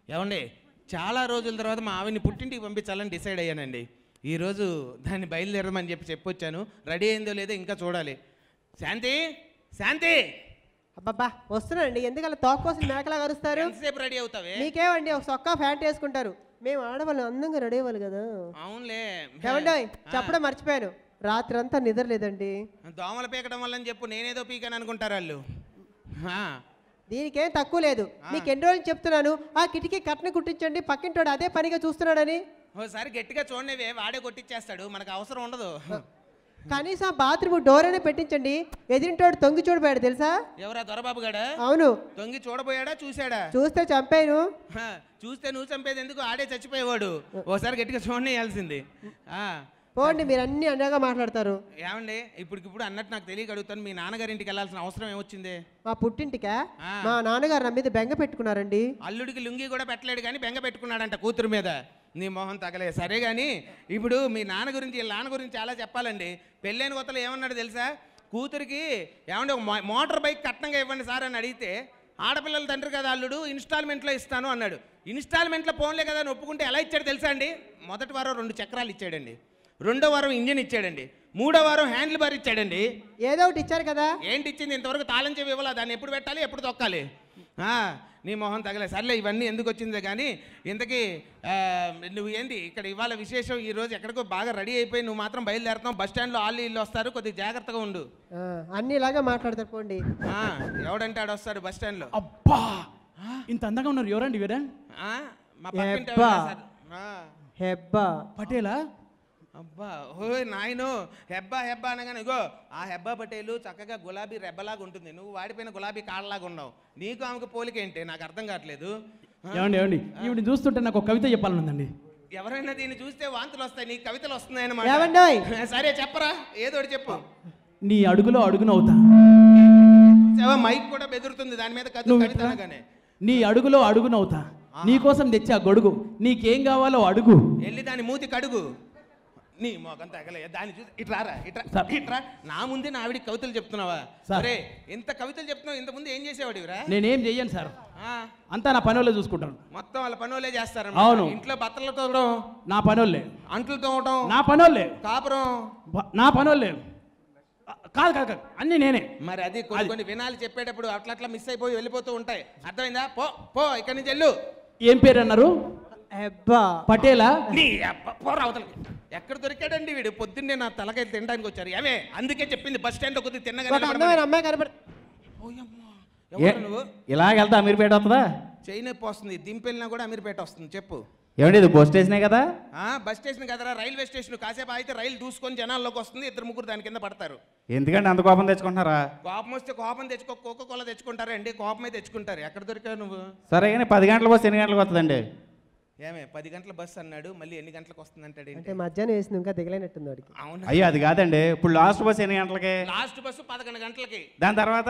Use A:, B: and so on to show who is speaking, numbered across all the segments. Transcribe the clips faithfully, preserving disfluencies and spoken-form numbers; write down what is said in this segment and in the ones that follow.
A: ఏమండి చాలా రోజుల తర్వాత మా ఆవిడ్ని పుట్టింటికి పంపించాలని డిసైడ్ అయ్యానండి. ఈరోజు దాన్ని బయలుదేరమని చెప్పి చెప్పొచ్చాను. రెడీ అయిందో లేదో ఇంకా చూడాలి. శాంతి శాంతి
B: అబ్బబ్బా వస్తున్నానండి. ఎందుకలా తోక కోసం మేకలా కరుస్తారు?
A: ఎంతసేపు రెడీ అవుతావే?
B: మీకేమండి ఒక సొక్కా ఫ్యాంట్ వేసుకుంటారు, మేము ఆడవాళ్ళు అందంగా రెడీ అవ్వాలి కదా.
A: అవునులే.
B: ఏమండి చెప్పడం మర్చిపోయాను, రాత్రి అంతా నిద్ర లేదండి.
A: దోమలు పీకడం వల్ల చెప్పు, నేనేదో పీకాను అనుకుంటారు వాళ్ళు.
B: దీనికేం తక్కువ లేదు. మీకు ఎన్ని రోజులు చెప్తున్నాను ఆ కిటికీ కట్న కుట్టించండి, పక్కింటోడు అదే పనిగా చూస్తున్నాడని.
A: ఓసారి గట్టిగా చూడనివే, వాడే కొట్టించేస్తాడు, మనకు అవసరం ఉండదు.
B: కనీసం బాత్రూమ్ డోర్ అయినా పెట్టించండి. ఎదిరింటోడు తొంగి చూడబోయాడు తెలుసా?
A: ఎవరా దొరబాబు గడా?
B: అవును.
A: తొంగి చూడబోయాడా చూసాడా?
B: చూస్తే చంపాను.
A: చూస్తే నువ్వు చంపేది ఎందుకు, ఆడే చచ్చిపోయేవాడు. ఓసారి గట్టిగా చూడనియాల్సింది.
B: పోండి, మీరు అన్ని అన్నగా మాట్లాడతారు.
A: ఏమండి ఇప్పటికిప్పుడు అన్నట్టు నాకు తెలియక అడుగుతాను, మీ నాన్నగారింటికి వెళ్ళాల్సిన అవసరం ఏమొచ్చింది?
B: మా పుట్టింటికా? మా నాన్నగారు నా మీద బెంగ పెట్టుకున్నారండి.
A: అల్లుడికి లుంగి కూడా పెట్టలేడు కానీ బెంగ పెట్టుకున్నాడంట కూతురు మీద. నీ మొహం తగలే. సరే కానీ ఇప్పుడు మీ నాన్న గురించి వీళ్ళ నాన్న గురించి చాలా చెప్పాలండి. పెళ్ళైన కొత్తలో ఏమన్నాడు తెలుసా? కూతురికి ఏమంటే ఒక మోటార్ బైక్ కట్నంగా ఇవ్వండి సార్ అని అడిగితే, ఆడపిల్లల తండ్రి కదా అల్లుడు, ఇన్స్టాల్మెంట్లో ఇస్తాను అన్నాడు. ఇన్స్టాల్మెంట్లో ఫోన్లే కదా అని ఒప్పుకుంటే ఎలా ఇచ్చాడు తెలుసా అండి? మొదటి వారం రెండు చక్రాలు ఇచ్చాడండి, రెండో వారం ఇంజిన్ ఇచ్చాడండి, మూడో వారం హ్యాండిల్ బార్ ఇచ్చాడండి.
B: ఏదో ఒకటి ఇచ్చారు కదా.
A: ఏంటి ఇచ్చింది? ఇంతవరకు తాళం చెవి ఇవ్వాలా, దాన్ని ఎప్పుడు పెట్టాలి ఎప్పుడు తొక్కాలి. నీ మొహం తగలే. సర్లే ఇవన్నీ ఎందుకు వచ్చిందే కానీ, ఇంతకీ నువ్వు ఏంటి ఇక్కడ ఇవాళ విశేషం? ఈరోజు ఎక్కడికో బాగా రెడీ అయిపోయి నువ్వు మాత్రం బయలుదేరుతావు. బస్ స్టాండ్లో వాళ్ళు ఇల్లు వస్తారు, కొద్దిగా జాగ్రత్తగా ఉండు.
B: అన్ని ఇలాగా మాట్లాడతారు పోండి.
A: ఎవడంటే ఆడు వస్తాడు బస్ స్టాండ్లో.
C: అబ్బా ఇంత అందంగా ఉన్నారు, ఎవరండి వీరా?
A: మా పక్కింటి
B: హెబ్బా
C: పటేలా?
A: అబ్బా ఓ నాయను, హెబ్బా హెబ్బా అనగానే ఇగో ఆ హెబ్బా పటేలు చక్కగా గులాబీ రెబ్బలాగా ఉంటుంది, నువ్వు వాడిపోయిన గులాబీ కాళ్ళలాగా ఉన్నావు. నీకు ఆమెకు పోలికేంటి నాకు అర్థం కావట్లేదు.
C: ఏమండి ఏమండి ఈవిడ చూస్తుంటే నాకు ఒక కవిత చెప్పాలనుందండి.
A: ఎవరైనా దీన్ని చూస్తే వాంతులు వస్తాయి, నీకు కవితలు వస్తున్నాయన్నమాట. సరే చెప్పరా, ఏదో చెప్పు.
C: నీ అడుగులో అడుగునవుతా.
A: మైక్ కూడా బెదురుతుంది దాని మీద కవిత అనగానే.
C: నీ అడుగులో అడుగునవుతా, నీకోసం తెచ్చా గొడుగు, నీకేం కావాలో అడుగు,
A: వెళ్ళి దాని మూతి కడుగు. నీ మొఖం తగలే, దాన్ని చూసి ఇట్రారా ఇట్రా ఇట్రా. నా ముందే నా ఆవిడికి కవితలు చెప్తున్నావా? సరే ఇంత కవితలు చెప్తున్నావు, ఇంత ముందు ఏం చేసేవాడు?
C: నేనేం చెయ్యను సార్, అంతా నా పని వాళ్ళే చూసుకుంటాను.
A: మొత్తం వాళ్ళ పని వాళ్ళే చేస్తారు.
C: అవును.
A: ఇంట్లో బట్టలు తోవడం
C: నా పని వాళ్ళే,
A: అంట్లు తోవడం
C: నా పని వాళ్ళే,
A: కాపురం
C: నా పని వాళ్ళే. కాదు కాదు కాదు అన్నీ నేనే.
A: మరి అది కొన్ని కొన్ని వినాలి చెప్పేటప్పుడు అట్లా అట్లా మిస్ అయిపోయి వెళ్ళిపోతూ ఉంటాయి, అర్థమైందా? పో పో ఇక్కడి నుంచి వెళ్ళు.
C: ఏం పేరు అన్నారు? పటేలా?
A: ఎక్కడ దొరికాడండి వీడు? పొద్దున్నే నా తలకాయ తినడానికి వచ్చారు. ఏమే అందుకే చెప్పింది బస్ స్టాండ్ లో కొద్దిగా తిన్నగా
B: అమ్మాయి కనబడి.
A: నువ్వు
D: ఇలాగెళ్తా అమీర్పేట వస్తుందా?
A: చైన్ నొప్పి వస్తుంది, దింపెళ్ళినా కూడా అమీర్పేట వస్తుంది. చెప్పు.
D: ఏమండి ఇది బస్ స్టేషనే కదా?
A: బస్ స్టేషన్ కదరా, రైల్వే స్టేషన్. కాసేపు అయితే రైలు దూసుకొని జనాల్లోకి వస్తుంది, ఇద్దరు ముగ్గురు దాని కింద పడతారు.
D: ఎందుకంటే అంత కోపం తెచ్చుకుంటున్నారా?
A: కోపం వస్తే కోపం తెచ్చుకో, కోకో కోలా తెచ్చుకుంటారా అండి? కోపమే తెచ్చుకుంటారు. ఎక్కడ దొరికావు నువ్వు?
D: సరే కానీ పది గంటల బస్సు ఎన్ని గంటలకు వస్తుందండి?
A: ఏమే పది గంటల బస్సు అన్నాడు, మళ్ళీ ఎన్ని గంటలకు వస్తుంది అంటాడు?
B: అంటే మధ్యాహ్నం వేసింది ఇంకా దిగలేనట్టుంది వాడికి.
A: అవును.
D: అయ్యో అది కాదండి, ఇప్పుడు లాస్ట్ బస్సు ఎన్ని గంటలకి?
A: లాస్ట్ బస్సు పదకొండు గంటలకి.
D: దాని తర్వాత?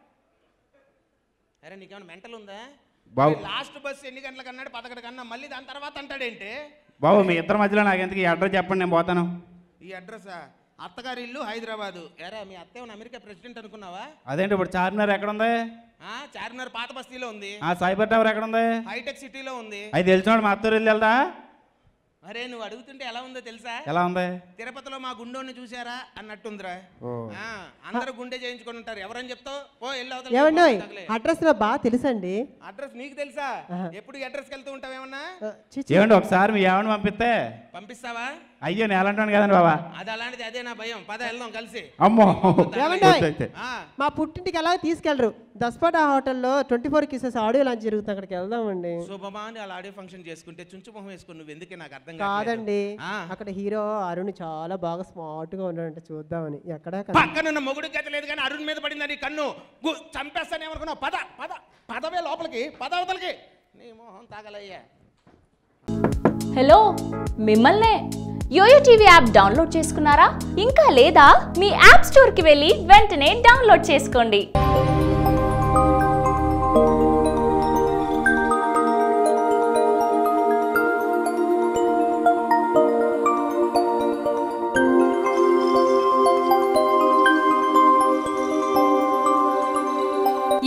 A: అరే నీకేమైనా మెంటల్ ఉందా
D: బాబు?
A: లాస్ట్ బస్సు ఎన్ని గంటలకు అన్నాడు? పదకొండు కన్నా, మళ్ళీ దాని తర్వాత అంటాడేంటి?
D: బాబు మీ ఇద్దరి మధ్యలో నాకు ఎందుకు ఈ అడ్రస్ చెప్పండి, నేను పోతాను.
A: ఈ అడ్రసా? అత్తగారి ఇల్లు హైదరాబాదు. ఎరా మీ అత్త ఏమన్నా అమెరికా ప్రెసిడెంట్ అనుకున్నావా?
D: అదేంటి ఇప్పుడు చార్మినార్ ఎక్కడ ఉంది?
A: చార్మినార్ పాత బస్తీలో ఉంది.
D: సైబర్ టవర్ ఎక్కడ ఉంది?
A: హైటెక్ సిటీలో ఉంది.
D: అది తెలిసినోడు మా అత్తూరు వెళ్ళి వెళ్దా?
A: అరే నువ్వు అడుగుతుంటే ఎలా ఉందో తెలుసా?
D: ఎలా ఉంది?
A: తిరుపతిలో మా గుండోని చూసారా అన్నట్టుందిరా. అందరూ గుండె చేయించుకొని ఉంటారు. ఎవరని చెప్తావు? ఓ
B: ఏమండి అడ్రస్ నా బాగా తెలుసండి.
A: అడ్రస్ నీకు తెలుసా? ఎప్పుడు అడ్రస్కి వెళ్తూ ఉంటావు ఏమన్నా?
D: ఏమండి ఒకసారి మీ ఏమన్నా పంపిస్తే?
A: పంపిస్తావా?
D: అయ్యో నేను అలాంటి కదండి బాబా.
A: అది అలాంటిది, అదే నా భయం. పద వెళ్దాం కలిసి.
D: అమ్మో
B: మా పుట్టింటికి ఎలా తీసుకెళ్లరు? దస్పాటా హోటల్లో twenty four kisses audio launch జరుగుతుంది, అక్కడికి వెళ్దామండి.
A: శుభమాని అలా ఆడియో ఫంక్షన్ చేసుకుంటే చుంచు మొహం వేసుకుని నువ్వు ఎందుకే నాకు అర్థం
B: కాదండి. అక్కడ హీరో అరుణ్ చాలా బాగా స్మార్ట్ గా ఉన్నాడంట, చూద్దామని. ఎక్కడ
A: పక్కన మొగుడు గత లేదు కానీ అరుణ్ మీద పడిందని కన్ను చంపేస్తాను ఏమనుకున్నావు? పద పద పదవే లోపలికి, పదవతలకి. నీ మొహం తాగలయ్యా.
E: హలో మిమ్మల్నే. యోయో టీవీ యాప్ డౌన్లోడ్ చేసుకున్నారా? ఇంకా లేదా? మీ యాప్ స్టోర్కి వెళ్ళి వెంటనే డౌన్లోడ్ చేసుకోండి.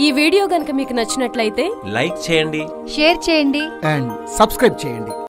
F: ఈ వీడియో గనుక మీకు నచ్చినట్లయితే
G: లైక్ చేయండి,
H: షేర్ చేయండి
I: అండ్ సబ్స్క్రైబ్ చేయండి.